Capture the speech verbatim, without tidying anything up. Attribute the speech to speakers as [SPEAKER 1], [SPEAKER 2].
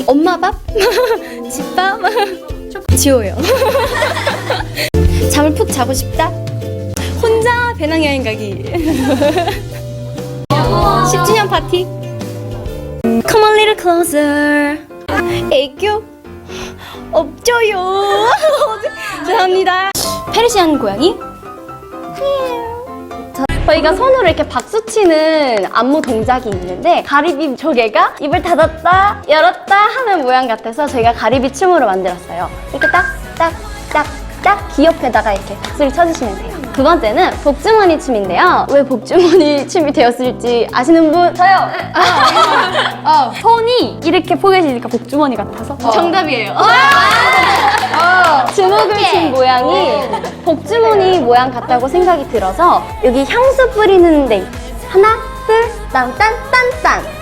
[SPEAKER 1] 엄마 밥? 집밥? 지호요. 잠을 푹 자고 싶다? 혼자 배낭여행 가기. 십 주년 파티. Come a little closer. 애교? 없죠요. 죄송합니다. 페르시안 고양이? 저희가 손으로 이렇게 박수 치는 안무 동작이 있는데 가리비 조개가 입을 닫았다 열었다 하는 모양 같아서 저희가 가리비 춤으로 만들었어요. 이렇게 딱 딱 딱 딱 귀 옆에다가 이렇게 박수를 쳐주시면 돼요. 두 번째는 복주머니 춤인데요. 왜 복주머니 춤이 되었을지 아시는 분? 저요! 어. 손이 이렇게 포개지니까 복주머니 같아서 어. 정답이에요. 어. 주먹을 친 모양이 복주머니 모양 같다고 생각이 들어서 여기 향수 뿌리는 데 하나, 둘, 딴, 딴, 딴, 딴